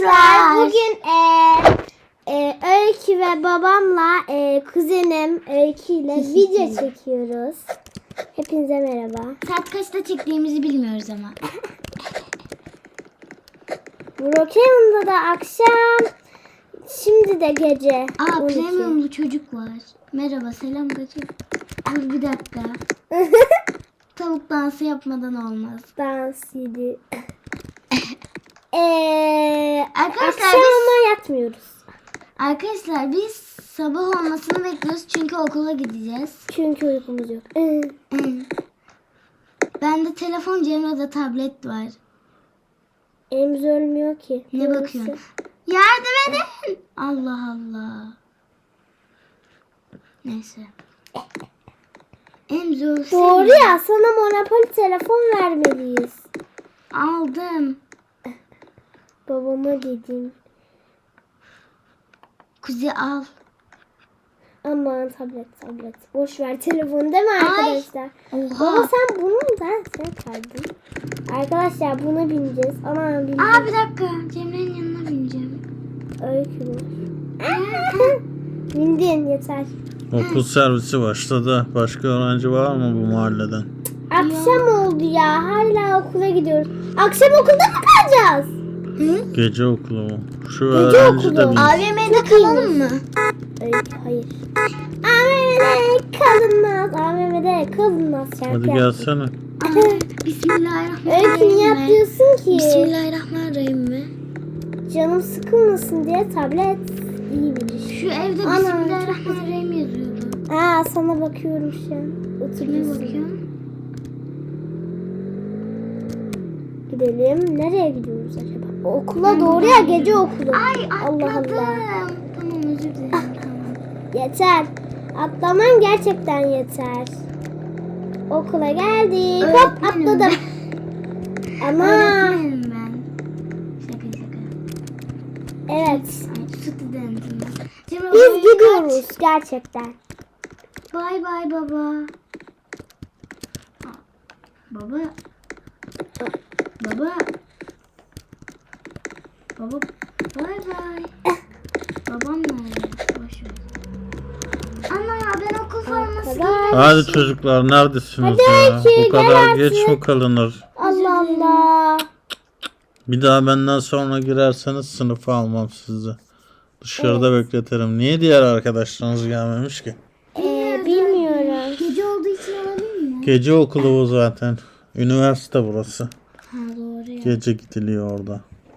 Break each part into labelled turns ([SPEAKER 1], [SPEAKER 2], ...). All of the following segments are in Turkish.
[SPEAKER 1] Bugün Öykü ve babamla kuzenim Öykü ile video çekiyoruz. Hepinize merhaba.
[SPEAKER 2] Saat kaçta çektiğimizi bilmiyoruz ama.
[SPEAKER 1] Brookhaven'da da akşam, şimdi de gece.
[SPEAKER 2] Aa,
[SPEAKER 1] 12.
[SPEAKER 2] premiumlu çocuk var. Merhaba, selam kaçın. Dur bir dakika. Tavuk dansı yapmadan olmaz.
[SPEAKER 1] Dans yedi.
[SPEAKER 2] Arkadaşlar
[SPEAKER 1] Akşam ama yatmıyoruz.
[SPEAKER 2] Arkadaşlar biz sabah olmasını bekliyoruz çünkü okula gideceğiz.
[SPEAKER 1] Çünkü uykumuz yok.
[SPEAKER 2] Bende telefon, Cemre'de tablet var.
[SPEAKER 1] Elimiz ölmüyor ki.
[SPEAKER 2] Ne
[SPEAKER 1] Neyse.
[SPEAKER 2] bakıyorsun? Yardım edin. Allah Allah. Neyse. Emzo.
[SPEAKER 1] Doğru ya, sana Monopoly telefon vermeliyiz.
[SPEAKER 2] Aldım.
[SPEAKER 1] Babama dedim.
[SPEAKER 2] Kuzi al.
[SPEAKER 1] Aman tablet. Boş ver telefonu, değil mi arkadaşlar?
[SPEAKER 2] Oha.
[SPEAKER 1] Baba sen bunu sen kaydın. Arkadaşlar buna bineceğiz. Aman bineceğiz.
[SPEAKER 2] Aa, bir dakika. Cemre'nin yanına bineceğim.
[SPEAKER 1] Öykü bu. Bindin yeter.
[SPEAKER 3] Okul servisi başladı. Başka öğrenci var mı bu mahalleden?
[SPEAKER 1] Akşam oldu ya. Hala okula gidiyoruz. Akşam okulda mı kalacağız?
[SPEAKER 3] Gece okulu mu? Şu
[SPEAKER 1] Gece
[SPEAKER 3] öğrenci
[SPEAKER 1] okulu.
[SPEAKER 3] de bir...
[SPEAKER 2] AVM'de kalalım mı?
[SPEAKER 1] Öykü hayır. AVM'de kalınmaz. AVM'de kalınmaz. Şarkı
[SPEAKER 3] Hadi
[SPEAKER 1] yap.
[SPEAKER 3] gelsene.
[SPEAKER 2] Bismillahirrahmanirrahim.
[SPEAKER 1] Öykü niye yapıyorsun ki?
[SPEAKER 2] Bismillahirrahmanirrahim mi?
[SPEAKER 1] Canım sıkılmasın diye tablet iyi bir iş.
[SPEAKER 2] Şu evde
[SPEAKER 1] Ana.
[SPEAKER 2] Bismillahirrahmanirrahim yazıyordu.
[SPEAKER 1] Aa, sana bakıyorum şu an.
[SPEAKER 2] Ne
[SPEAKER 1] Oturuyorsun.
[SPEAKER 2] bakıyorsun?
[SPEAKER 1] Gidelim. Nereye gidiyoruz acaba? Okula doğru ya, gece okulu.
[SPEAKER 2] Ay,
[SPEAKER 1] Allah
[SPEAKER 2] atladım.
[SPEAKER 1] Allah.
[SPEAKER 2] Tamam, özür dilerim. Tamam.
[SPEAKER 1] Yeter. Atlaman gerçekten yeter. Okula geldik. Hop
[SPEAKER 2] Öğretmenim
[SPEAKER 1] atladım. Ama
[SPEAKER 2] Öğretmenim ben. Şaka.
[SPEAKER 1] evet.
[SPEAKER 2] Ay, studentim ben. Cemre,
[SPEAKER 1] Biz
[SPEAKER 2] oraya
[SPEAKER 1] gidiyoruz gerçekten.
[SPEAKER 2] kaç. Bay bay baba. Baba. Baba. Baba. Bay bay. Babam nerede? Boş ver. Ana, ben okul forması
[SPEAKER 1] Arkadaş.
[SPEAKER 3] Hadi çocuklar, neredesiniz
[SPEAKER 1] Hadi
[SPEAKER 3] ya?
[SPEAKER 1] Öykü,
[SPEAKER 3] Bu kadar
[SPEAKER 1] gel
[SPEAKER 3] geç
[SPEAKER 1] artık.
[SPEAKER 3] mi kalınır?
[SPEAKER 1] Allah Allah.
[SPEAKER 3] Bir daha benden sonra girerseniz sınıfa almam sizi. Dışarıda bekletirim. Niye diğer arkadaşlarınız gelmemiş ki?
[SPEAKER 1] Bilmiyorum.
[SPEAKER 2] Gece olduğu için olabilir mi?
[SPEAKER 3] Gece okulu bu zaten. Üniversite burası.
[SPEAKER 2] Ha, doğru ya.
[SPEAKER 3] Gece gidiliyor orada.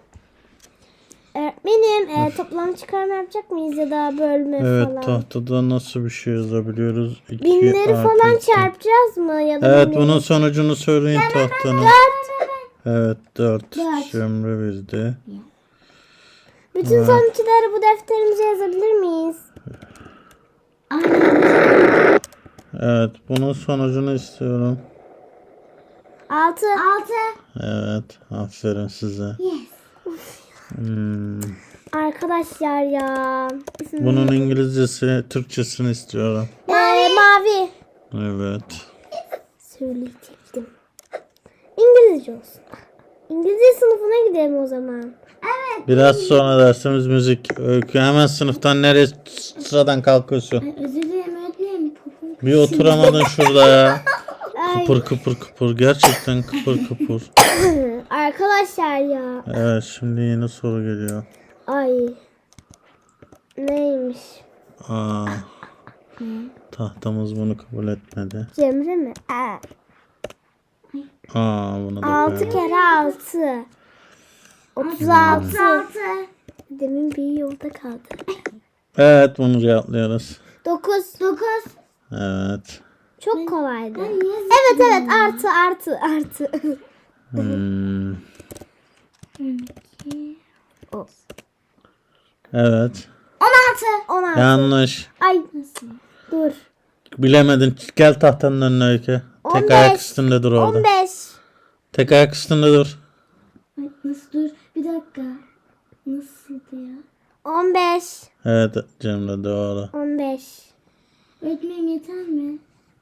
[SPEAKER 1] Öğretmenim toplam çıkarma yapacak mıyız ya da bölme
[SPEAKER 3] Evet,
[SPEAKER 1] falan?
[SPEAKER 3] tahtada nasıl bir şey yazabiliyoruz? 2
[SPEAKER 1] Binleri
[SPEAKER 3] artı
[SPEAKER 1] falan
[SPEAKER 3] 2.
[SPEAKER 1] çarpacağız mı ya da
[SPEAKER 3] Evet,
[SPEAKER 1] binleri?
[SPEAKER 3] bunun sonucunu söyleyin tahtanın. Evet, 4.
[SPEAKER 2] Dört.
[SPEAKER 3] Cemre bildi.
[SPEAKER 1] Bütün sonuçları bu defterimize yazabilir miyiz?
[SPEAKER 3] Evet, bunun sonucunu istiyorum.
[SPEAKER 1] 6.
[SPEAKER 2] 6.
[SPEAKER 3] Evet, aferin size.
[SPEAKER 2] Yes.
[SPEAKER 1] Arkadaşlar ya.
[SPEAKER 3] Bunun İngilizcesi, Türkçesini istiyorum.
[SPEAKER 1] Mavi.
[SPEAKER 3] Evet.
[SPEAKER 1] Söyleyecektim. İngilizce olsun. İngilizce sınıfına gidelim o zaman.
[SPEAKER 3] Biraz sonra dersimiz müzik. Öykü, hemen sınıftan nereye sıradan kalkıyorsun?
[SPEAKER 2] Özür dilerim öğretmenim. Popom.
[SPEAKER 3] Bir oturamadın şurada ya.
[SPEAKER 1] Ay.
[SPEAKER 3] Kıpır kıpır. Gerçekten kıpır.
[SPEAKER 1] Arkadaşlar ya.
[SPEAKER 3] Evet, şimdi yeni soru geliyor.
[SPEAKER 1] Ay. Neymiş?
[SPEAKER 3] Aa. Tahtamız bunu kabul etmedi.
[SPEAKER 1] Cemre mi?
[SPEAKER 3] Bunu da
[SPEAKER 1] 6
[SPEAKER 3] koyalım.
[SPEAKER 1] kere 6. 36.
[SPEAKER 2] 36.
[SPEAKER 1] Demin bir yolda kaldı.
[SPEAKER 3] Evet, bunu cevaplıyoruz.
[SPEAKER 1] 9.
[SPEAKER 2] 9.
[SPEAKER 3] Evet.
[SPEAKER 1] Çok kolaydı.
[SPEAKER 2] Niye
[SPEAKER 1] Evet artı.
[SPEAKER 3] Evet.
[SPEAKER 1] 16.
[SPEAKER 3] Yanlış.
[SPEAKER 1] Ay dur.
[SPEAKER 3] Bilemedin. Gel tahtanın önüne Öykü. Tek
[SPEAKER 1] 15.
[SPEAKER 3] ayak üstünde dur orada.
[SPEAKER 1] 15.
[SPEAKER 3] Tek ayak üstünde dur.
[SPEAKER 2] Ay, nasıl dur? Bir dakika. Nasıldı ya?
[SPEAKER 1] 15.
[SPEAKER 3] Evet Cemre, doğru.
[SPEAKER 1] 15.
[SPEAKER 2] Öğretmenim yeter mi?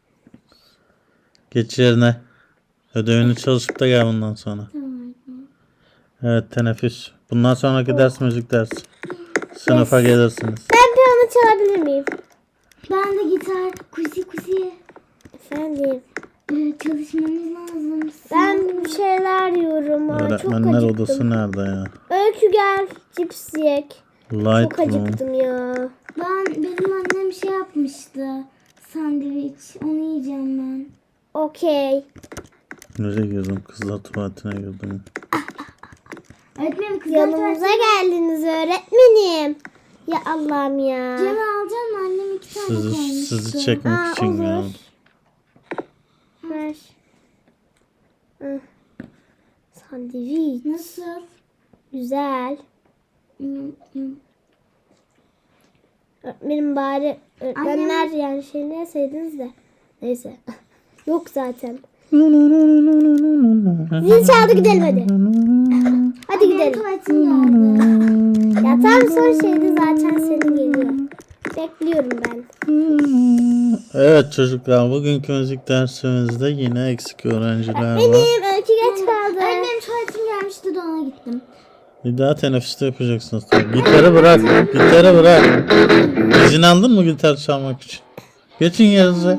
[SPEAKER 3] Geç yerine. Ödevini çalışıp da gel bundan sonra.
[SPEAKER 2] Tamam öğretmenim.
[SPEAKER 3] Evet, teneffüs. Bundan sonraki ders müzik dersi. Sınıfa gelirsiniz.
[SPEAKER 1] Ben piyano çalabilir miyim?
[SPEAKER 2] Ben de gitar. Kuzi.
[SPEAKER 1] Efendim.
[SPEAKER 2] Çalışmamız lazım.
[SPEAKER 1] Ben bir şeyler yiyorum. Aa, çok
[SPEAKER 3] Öğretmenler
[SPEAKER 1] acıktım.
[SPEAKER 3] odası nerede ya?
[SPEAKER 1] Öykü gel. Cips yiyek. Çok
[SPEAKER 3] Lightroom.
[SPEAKER 1] acıktım ya.
[SPEAKER 2] Benim annem şey yapmıştı. Sandviç. Onu yiyeceğim ben.
[SPEAKER 1] Okey.
[SPEAKER 3] Nereye girdim? Kızlar tuvaletine girdim.
[SPEAKER 2] Öğretmenim kızlar
[SPEAKER 1] Yanımıza geldiniz öğretmenim. Ya Allah'ım ya.
[SPEAKER 2] Cem'i alacağım mı? Annem 2 tane koymuştu.
[SPEAKER 3] Sizi çekmek
[SPEAKER 1] Aa,
[SPEAKER 3] için ya.
[SPEAKER 1] olur. Ver. Hı. Sandviç.
[SPEAKER 2] Nasıl?
[SPEAKER 1] Güzel. Öğretmenim bari öğretmenler yani şey ne yeseydiniz de. Neyse. Yok zaten. Zil çaldı gidelim hadi. Hadi gidelim.
[SPEAKER 2] Tuvaletim geldi.
[SPEAKER 1] Ya tam son şeydi zaten senin geliyor. Bekliyorum ben.
[SPEAKER 3] Evet çocuklar, bugünkü müzik dersimizde yine eksik öğrenciler var.
[SPEAKER 1] Benim öykü geç kaldı.
[SPEAKER 2] Öğretmenim tuvaletim gelmişti de ona gittim.
[SPEAKER 3] Bir daha teneffüste yapacaksınız. Gitarı bırak. Gitarı bırak. İzin aldın mı gitar çalmak için? Geçin yerinize.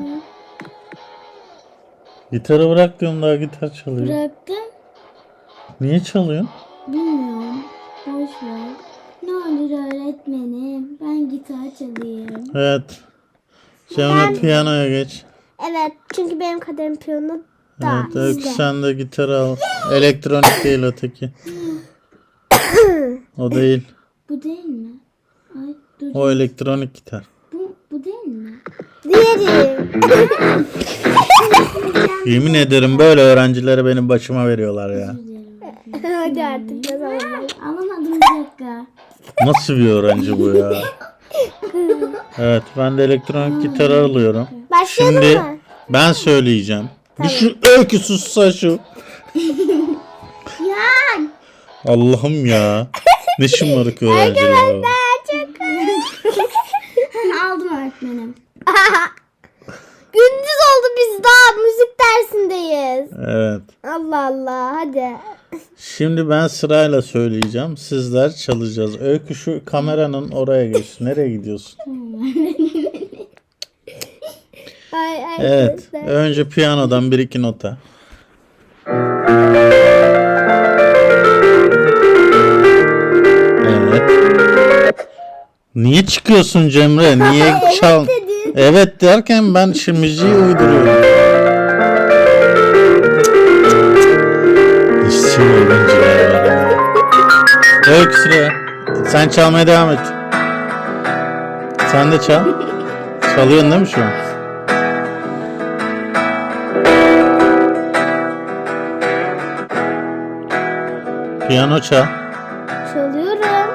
[SPEAKER 3] Gitarı bırak diyorum, daha gitar çalıyor.
[SPEAKER 2] Bıraktım.
[SPEAKER 3] Niye çalıyorsun?
[SPEAKER 2] Bilmiyorum. Boş ver. Ne olur öğretmenim. Ben gitar çalayım.
[SPEAKER 3] Evet. Cemre piyanoya geç.
[SPEAKER 1] Evet çünkü benim kaderim piyano da
[SPEAKER 3] Evet, Öykü
[SPEAKER 1] bizde.
[SPEAKER 3] sen de gitarı al. Elektronik değil öteki. O değil.
[SPEAKER 2] Bu değil mi? Ay dur.
[SPEAKER 3] O elektronik gitar.
[SPEAKER 2] Bu değil mi?
[SPEAKER 1] Diğeri.
[SPEAKER 3] Yemin ederim böyle öğrencilere benim başıma veriyorlar ya.
[SPEAKER 1] Hadi artık ne zaman.
[SPEAKER 2] Alamadım bir dakika.
[SPEAKER 3] Nasıl bir öğrenci bu ya? Evet, ben de elektronik gitarı alıyorum.
[SPEAKER 1] Başlayalım
[SPEAKER 3] Şimdi
[SPEAKER 1] mı?
[SPEAKER 3] ben söyleyeceğim. Bir şu Öykü sussa şu.
[SPEAKER 1] Ya.
[SPEAKER 3] Allah'ım ya. Ne şımarık öğrenciler var.
[SPEAKER 2] Aldım öğretmenim.
[SPEAKER 1] Gündüz oldu biz daha müzik dersindeyiz.
[SPEAKER 3] Evet.
[SPEAKER 1] Allah Allah hadi.
[SPEAKER 3] Şimdi ben sırayla söyleyeceğim. Sizler çalacağız. Öykü şu kameranın oraya geç. Nereye gidiyorsun?
[SPEAKER 1] Ay
[SPEAKER 3] Evet.
[SPEAKER 1] arkadaşlar.
[SPEAKER 3] Önce piyanodan bir iki nota. Evet. Niye çıkıyorsun Cemre? Niye çal?
[SPEAKER 1] dedin.
[SPEAKER 3] Evet derken ben şimdi müziği uyduruyorum. İşçi öğrenciler var ya. Öykü sıra. Sen çalmaya devam et. Sen de çal. Çalıyorsun değil mi şu an? Piyano çal.
[SPEAKER 1] Çalıyorum.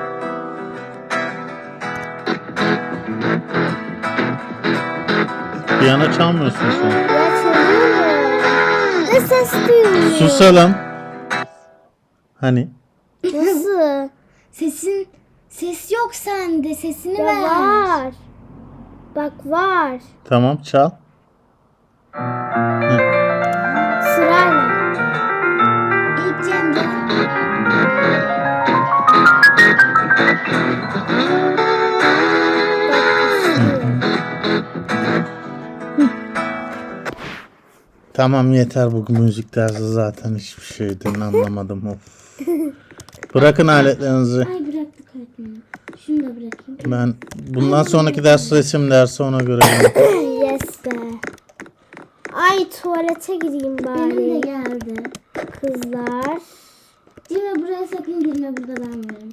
[SPEAKER 3] Piyano çalmıyorsun şu an.
[SPEAKER 1] Ya çalıyorum. Ne ses duyuyorum.
[SPEAKER 3] Susalım. Hani?
[SPEAKER 1] Nasıl?
[SPEAKER 2] Ses yok sende. Sesini
[SPEAKER 1] Ya
[SPEAKER 2] ver.
[SPEAKER 1] var. Bak var.
[SPEAKER 3] Tamam çal.
[SPEAKER 1] Sırayla.
[SPEAKER 2] İlk Cemre.
[SPEAKER 3] Tamam yeter, bu müzik dersi zaten hiçbir şeyden anlamadım. Of. Bırakın aletlerinizi.
[SPEAKER 2] Ay bıraktık öğretmenim. Şunu da bırakayım.
[SPEAKER 3] Ben bundan sonraki ders resim dersi, ona göre.
[SPEAKER 1] Yes be. Ay tuvalete gireyim
[SPEAKER 2] Benim de
[SPEAKER 1] bari.
[SPEAKER 2] geldi.
[SPEAKER 1] Kızlar.
[SPEAKER 2] Cemre buraya sakın girme. Burada ben varım.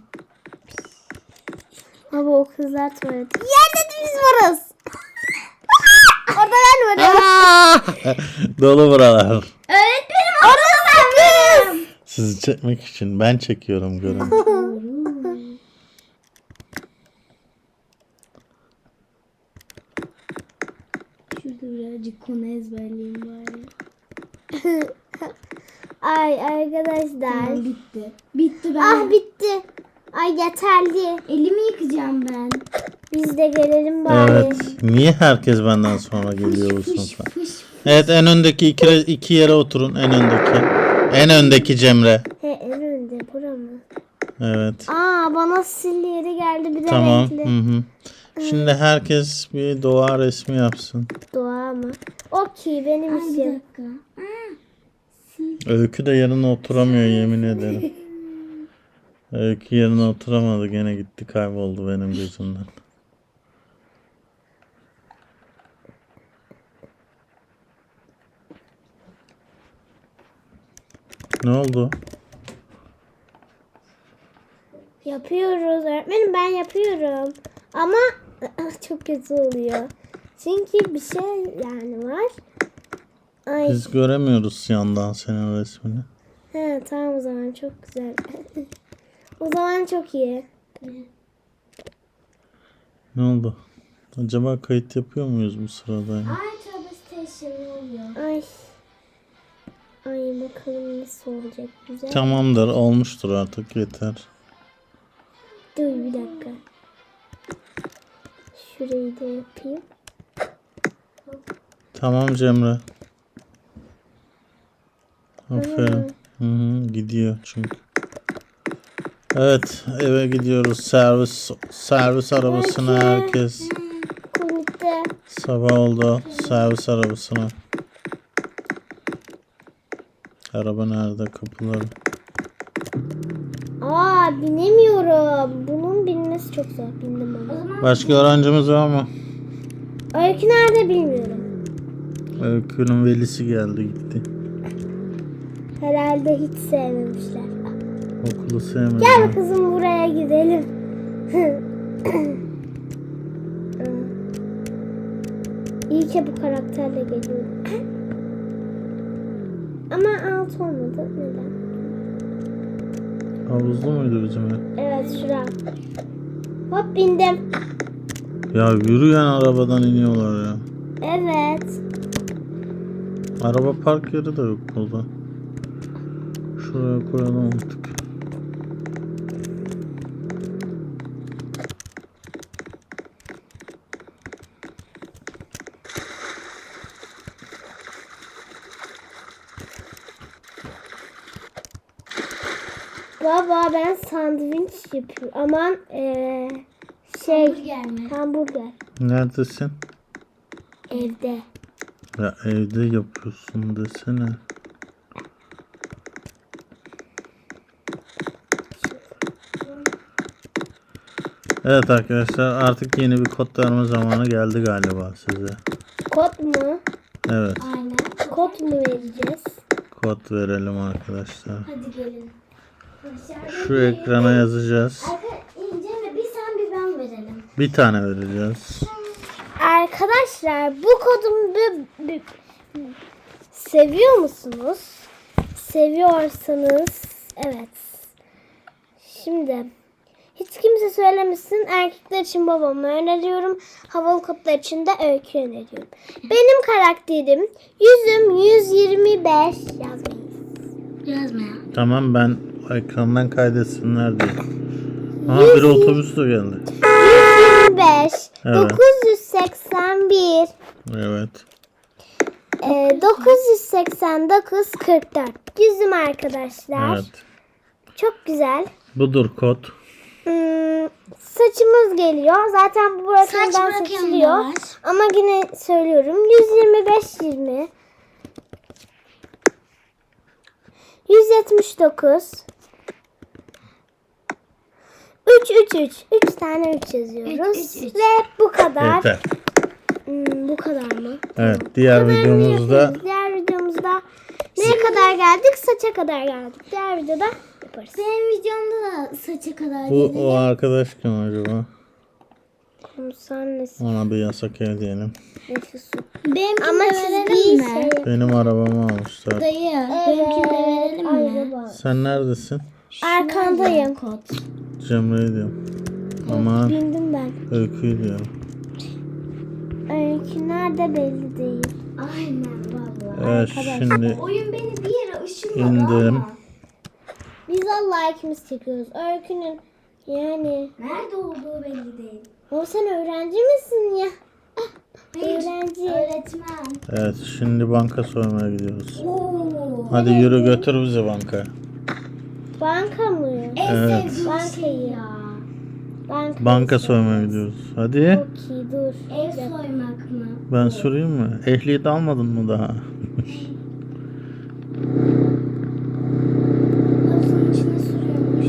[SPEAKER 1] Ama o kızlar tuvalete. Yerde de biz varız. Orada ben varım.
[SPEAKER 3] Dolu buralar.
[SPEAKER 2] Öğretmenim orada ben varım.
[SPEAKER 3] Sizi çekmek için ben çekiyorum, görün.
[SPEAKER 2] Şurada birazcık konu ezberleyeyim bari.
[SPEAKER 1] Ay arkadaşlar.
[SPEAKER 2] Tamam bitti. Bitti ben.
[SPEAKER 1] Ah bitti. Ay yeterli.
[SPEAKER 2] Elimi yıkayacağım ben.
[SPEAKER 1] Biz de gelelim bari.
[SPEAKER 3] Evet. Niye herkes benden sonra geliyor bu sınıfa?
[SPEAKER 2] Fış.
[SPEAKER 3] Evet, en öndeki iki yere oturun. En öndeki. En öndeki Cemre.
[SPEAKER 1] He en önde bura mı?
[SPEAKER 3] Evet.
[SPEAKER 1] Aa, bana silleri geldi, bir de
[SPEAKER 3] Tamam.
[SPEAKER 1] renkli.
[SPEAKER 3] Hı hı. Şimdi herkes bir doğa resmi yapsın.
[SPEAKER 1] Doğa mı? Okey, benim
[SPEAKER 2] Bir
[SPEAKER 1] işim.
[SPEAKER 2] dakika.
[SPEAKER 3] Öykü de yerine oturamıyor yemin ederim. Öykü yerine oturamadı, gene gitti, kayboldu benim gözümden. Ne oldu?
[SPEAKER 1] Yapıyoruz öğretmenim, ben yapıyorum. Ama çok kötü oluyor. Çünkü bir şey yani var. Ay.
[SPEAKER 3] Biz göremiyoruz yandan senin resmini.
[SPEAKER 1] He, tamam, o zaman çok güzel. O zaman çok iyi.
[SPEAKER 3] Ne oldu? Acaba kayıt yapıyor muyuz bu sırada? ya?
[SPEAKER 2] Ay tövbe station oluyor.
[SPEAKER 1] Ay. Ay, bakalım nasıl olacak, güzel.
[SPEAKER 3] Tamamdır, olmuştur artık, yeter.
[SPEAKER 1] Dur bir dakika. Şurayı da yapayım.
[SPEAKER 3] Tamam Cemre. Aferin. Hı hı, gidiyor çünkü. Evet, eve gidiyoruz. Servis arabasına herkes.
[SPEAKER 1] Komikte.
[SPEAKER 3] Sabah oldu. Servis arabasına. Araba nerede? Kapıları.
[SPEAKER 1] Aa, binemiyorum. Bunun binmesi çok zor. Bindim ama.
[SPEAKER 3] Başka öğrencimiz var mı?
[SPEAKER 1] Öykü nerede bilmiyorum.
[SPEAKER 3] Öykünün velisi geldi gitti.
[SPEAKER 1] Herhalde hiç sevmemişler.
[SPEAKER 3] Okulu sevmedi.
[SPEAKER 1] Gel kızım, buraya gidelim. İyi ki bu karakterle geliyorum. Ama alt olmadı. Neden?
[SPEAKER 3] Havuzlu muydu bizim ev?
[SPEAKER 1] Evet, şura. Hop, bindim.
[SPEAKER 3] Ya yürüyen arabadan iniyorlar ya.
[SPEAKER 1] Evet.
[SPEAKER 3] Araba park yeri de yok burada. Şuraya koyalım artık.
[SPEAKER 1] Baba, ben sandviç yapıyorum. Aman
[SPEAKER 2] Hamburger mi?
[SPEAKER 1] hamburger.
[SPEAKER 3] Neredesin?
[SPEAKER 1] Evde.
[SPEAKER 3] Ya evde yapıyorsun desene. Evet arkadaşlar, artık yeni bir kod verme zamanı geldi galiba size.
[SPEAKER 1] Kod mu?
[SPEAKER 3] Evet,
[SPEAKER 2] Aynen.
[SPEAKER 1] Kod mu vereceğiz?
[SPEAKER 3] kod verelim arkadaşlar.
[SPEAKER 2] Hadi gelin.
[SPEAKER 3] Şu ekrana yazacağız.
[SPEAKER 2] İnce mi? Bir sen bir ben verelim.
[SPEAKER 3] Bir tane vereceğiz.
[SPEAKER 1] Arkadaşlar, bu kodumu seviyor musunuz? Seviyorsanız evet. Şimdi hiç kimse söylemesin. Erkekler için babamı öneriyorum. Havalı kodlar için de Öykü öneriyorum. Benim karakterim yüzüm 125 yazmayın.
[SPEAKER 2] Yazma ya.
[SPEAKER 3] Tamam, ben ekrandan kaydetsinler diye. Aha, bir otobüs de geldi.
[SPEAKER 1] 125
[SPEAKER 3] Evet.
[SPEAKER 1] 981
[SPEAKER 3] Evet.
[SPEAKER 1] 989 44. Yüzüm arkadaşlar.
[SPEAKER 3] Evet.
[SPEAKER 1] Çok güzel.
[SPEAKER 3] Budur kod.
[SPEAKER 1] Saçımız geliyor. Zaten bu
[SPEAKER 2] Saç
[SPEAKER 1] bırakımdan
[SPEAKER 2] bırakımı
[SPEAKER 1] seçiliyor.
[SPEAKER 2] var.
[SPEAKER 1] Ama yine söylüyorum. 125 20 179 3 3 3 3 tane 3 yazıyoruz.
[SPEAKER 2] 3, 3, 3.
[SPEAKER 1] Ve bu kadar.
[SPEAKER 3] Yeter.
[SPEAKER 1] Bu kadar mı?
[SPEAKER 3] Evet, diğer videomuzda
[SPEAKER 1] Diğer videomuzda neye kadar geldik? Saça kadar geldik. Diğer videoda yaparız.
[SPEAKER 2] Benim videomda da saça kadar
[SPEAKER 3] bu
[SPEAKER 2] geliyor.
[SPEAKER 3] o arkadaş kim acaba?
[SPEAKER 1] Sen nesin?
[SPEAKER 3] Ona bir yasak ev diyelim.
[SPEAKER 1] Nefesin.
[SPEAKER 2] Benimkini
[SPEAKER 1] Ama
[SPEAKER 2] de
[SPEAKER 1] çizgiyi
[SPEAKER 2] verelim mi?
[SPEAKER 1] şey.
[SPEAKER 3] Benim arabamı almışlar.
[SPEAKER 2] Dayı. Benimkini de verelim mi?
[SPEAKER 1] Araba.
[SPEAKER 3] Sen neredesin?
[SPEAKER 1] Arkandayım.
[SPEAKER 2] Kod.
[SPEAKER 3] Cemre'yi diyorum. Ama
[SPEAKER 1] Bindim ben.
[SPEAKER 3] Öykü'yü diyorum.
[SPEAKER 1] Öykü nerede belli değil.
[SPEAKER 2] Aynen valla.
[SPEAKER 3] Evet, şimdi
[SPEAKER 2] Oyun beni bir yere ışınladı
[SPEAKER 3] indim.
[SPEAKER 2] ama.
[SPEAKER 1] Biz Allah ikimiz çekiyoruz. Öykünün yani.
[SPEAKER 2] Nerede olduğu belli değil.
[SPEAKER 1] O, sen öğrenci misin ya?
[SPEAKER 2] Hayır,
[SPEAKER 1] Öğrenci.
[SPEAKER 2] öğretmen.
[SPEAKER 3] Evet, şimdi banka soymaya gidiyoruz.
[SPEAKER 2] Oo.
[SPEAKER 3] Hadi yürü, götür bizi bankaya.
[SPEAKER 1] Banka mı?
[SPEAKER 2] En
[SPEAKER 3] Evet.
[SPEAKER 2] sevdiğim
[SPEAKER 1] Bankayı.
[SPEAKER 2] şey ya.
[SPEAKER 3] Banka soymaya gidiyoruz. Hadi.
[SPEAKER 1] Okey dur.
[SPEAKER 2] Ev soymak mı?
[SPEAKER 3] Ben sorayım mı? Ehliyet almadın mı daha?
[SPEAKER 2] Havuzun içine sürüyormuş.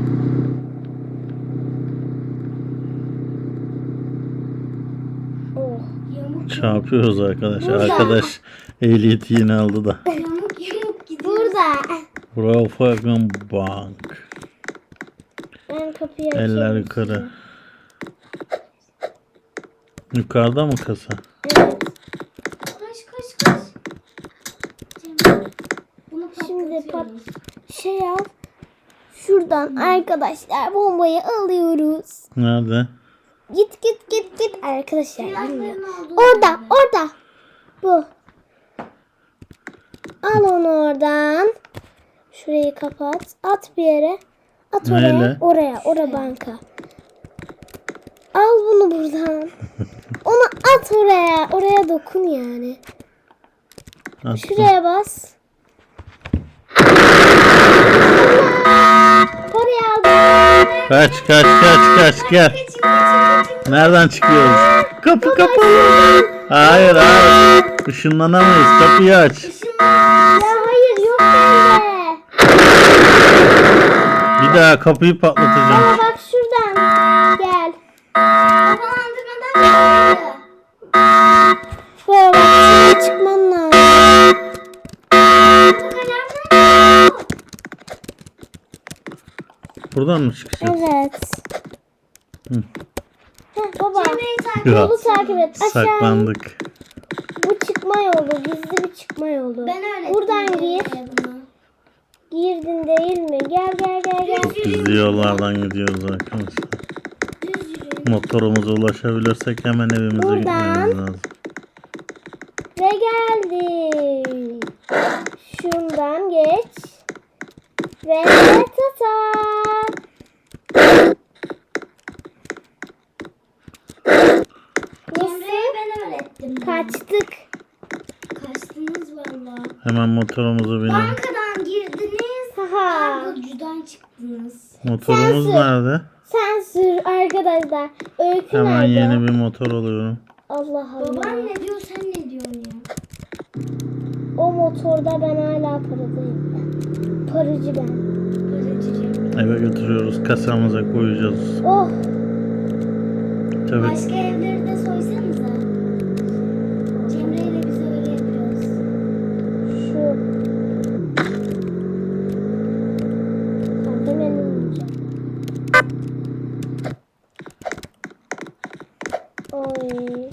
[SPEAKER 1] Oh.
[SPEAKER 2] Yamuk
[SPEAKER 3] Çarpıyoruz arkadaşlar.
[SPEAKER 1] Burada.
[SPEAKER 3] Arkadaş ehliyeti yeni aldı da.
[SPEAKER 2] yamuk gidiyor.
[SPEAKER 1] Burada.
[SPEAKER 3] Volkswagen Bank.
[SPEAKER 1] Ben kapıyı açayım.
[SPEAKER 3] Eller yukarı. Yukarıda mı kasa?
[SPEAKER 1] Evet.
[SPEAKER 2] Koş. Cemre, bunu
[SPEAKER 1] Şimdi
[SPEAKER 2] patlatıyoruz.
[SPEAKER 1] Şey al. Şuradan arkadaşlar bombayı alıyoruz.
[SPEAKER 3] Nerede?
[SPEAKER 1] Git arkadaşlar.
[SPEAKER 2] Silahların
[SPEAKER 1] bilmiyorum.
[SPEAKER 2] olduğu
[SPEAKER 1] Orada
[SPEAKER 2] yerde.
[SPEAKER 1] orada. Bu. Al onu oradan. Şurayı kapat. At bir yere. At oraya.
[SPEAKER 3] Neyle?
[SPEAKER 1] Oraya banka. Al bunu buradan. Onu at oraya. Oraya dokun yani.
[SPEAKER 3] Attım.
[SPEAKER 1] Şuraya bas. Oraya al.
[SPEAKER 3] Kaç gel. Nereden çıkıyoruz? Kapı kapalı. Hayır. Işınlanamayız. Kapıyı aç.
[SPEAKER 1] Ya hayır yok bende.
[SPEAKER 3] Bir daha kapıyı patlatacağım.
[SPEAKER 1] Ama bak şuradan. Gel.
[SPEAKER 2] Havalandırmadan çıktı.
[SPEAKER 1] Böyle bak şuraya çıkman lazım.
[SPEAKER 3] Buradan mı çıkacağız?
[SPEAKER 1] Evet.
[SPEAKER 3] Hı.
[SPEAKER 1] Heh, baba.
[SPEAKER 2] Cemre'yi takip
[SPEAKER 3] Ya.
[SPEAKER 1] Yolu takip et. Aşağı.
[SPEAKER 3] Saklandık.
[SPEAKER 1] Bu çıkma yolu. Gizli bir çıkma yolu.
[SPEAKER 2] Ben öğrettim.
[SPEAKER 1] Buradan gir.
[SPEAKER 2] Cemre'ye bunu.
[SPEAKER 1] Girdin değil mi? Gel.
[SPEAKER 3] Gizli yollardan gidiyoruz arkadaşlar.
[SPEAKER 2] Düz yürüyün.
[SPEAKER 3] Motorumuza ulaşabilirsek hemen evimize
[SPEAKER 1] Buradan.
[SPEAKER 3] gitmemiz lazım.
[SPEAKER 1] Ve geldik. Şundan geç. Ve tata.
[SPEAKER 2] Cemre'ye ben öğrettim. bunu.
[SPEAKER 1] Kaçtık.
[SPEAKER 2] Kaçtınız valla.
[SPEAKER 3] Hemen motorumuza binelim.
[SPEAKER 2] Bankadan girdiniz.
[SPEAKER 1] Haha.
[SPEAKER 2] Kargocudan çıktınız.
[SPEAKER 3] Motorumuz
[SPEAKER 1] Sensin.
[SPEAKER 3] nerede?
[SPEAKER 1] Sen sür arkadaşlar. Öykü
[SPEAKER 3] Hemen
[SPEAKER 1] nerede?
[SPEAKER 3] yeni bir motor alıyorum.
[SPEAKER 1] Allah Allah.
[SPEAKER 2] Baban ne diyor sen ne diyorsun ya?
[SPEAKER 1] O motorda ben hala paradayım. Paracı ben.
[SPEAKER 2] Paracı Cemre.
[SPEAKER 3] Eve götürüyoruz. Kasamıza koyacağız.
[SPEAKER 1] Oh.
[SPEAKER 3] Tabii.
[SPEAKER 2] Başka evleri de soysanıza. Cemre ile biz öyle yapıyoruz.
[SPEAKER 1] Şu. Hemen ineceğim. Oy.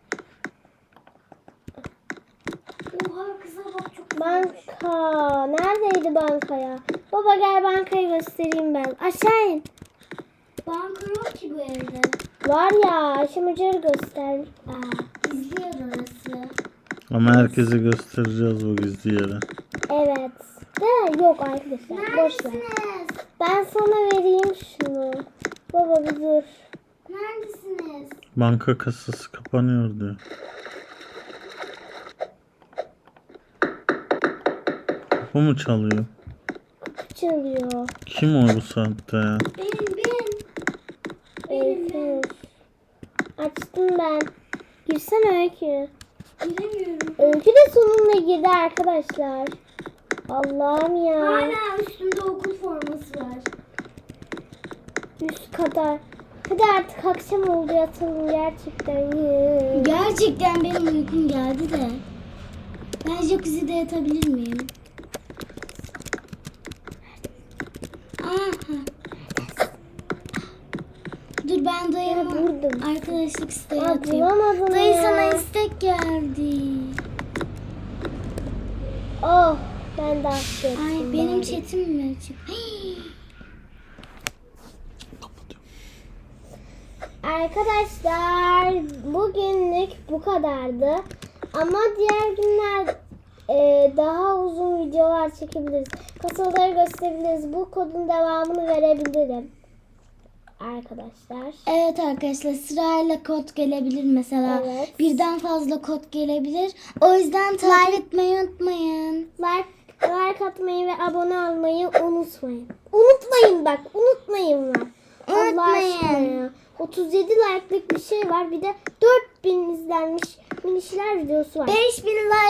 [SPEAKER 2] Oha kıza bak çok
[SPEAKER 1] Banka. Neredeydi banka ya? Baba gel bankayı göstereyim ben. Aşağı in.
[SPEAKER 2] Banka yok ki bu evde.
[SPEAKER 1] Var ya Ayşe Hoca göster.
[SPEAKER 2] Gizli yer orası.
[SPEAKER 3] Ama herkese göstereceğiz bu gizli yeri.
[SPEAKER 1] Evet. De yok arkadaşlar. Boş ver.
[SPEAKER 2] Neredesiniz?
[SPEAKER 1] Ben sana vereyim şunu. Baba bir dur.
[SPEAKER 2] Neredesiniz?
[SPEAKER 3] Banka kasası kapanıyor diyor. Kapı mı çalıyor?
[SPEAKER 1] Çalıyor.
[SPEAKER 3] Kim o bu saatte ya?
[SPEAKER 2] Benim.
[SPEAKER 1] Öykü. Açtım ben. Girsene Öykü.
[SPEAKER 2] Giremiyorum.
[SPEAKER 1] Öykü de sonunda girdi arkadaşlar. Allah'ım ya.
[SPEAKER 2] Hala üstümde okul forması var.
[SPEAKER 1] Üst kadar. Hadi artık akşam oldu yatalım gerçekten.
[SPEAKER 2] Gerçekten benim uykum geldi de. Ben jacuzzi'de yatabilir miyim? Aha. Dur ben dayıma
[SPEAKER 1] Vurdum.
[SPEAKER 2] arkadaşlık isteği
[SPEAKER 1] Aa,
[SPEAKER 2] atayım.
[SPEAKER 1] bulamadım
[SPEAKER 2] Dayı
[SPEAKER 1] ya.
[SPEAKER 2] sana istek geldi.
[SPEAKER 1] Oh ben de affettim.
[SPEAKER 2] Ay benim
[SPEAKER 1] bari.
[SPEAKER 2] chatim mi açık?
[SPEAKER 1] Arkadaşlar bugünlük bu kadardı. Ama diğer günler daha uzun videolar çekebiliriz. Kasaları gösterebiliriz. Bu kodun devamını verebilirim. Arkadaşlar.
[SPEAKER 2] Evet arkadaşlar sırayla kod gelebilir mesela.
[SPEAKER 1] Evet.
[SPEAKER 2] Birden fazla kod gelebilir. O yüzden takip etmeyi unutmayın.
[SPEAKER 1] Like Like atmayı ve abone olmayı unutmayın. Unutmayın bak. Unutmayın mı? Allah
[SPEAKER 2] Unutmayın.
[SPEAKER 1] aşkına ya. 37 like'lık bir şey var. Bir de 4000 izlenmiş minişler videosu var.
[SPEAKER 2] 5000 like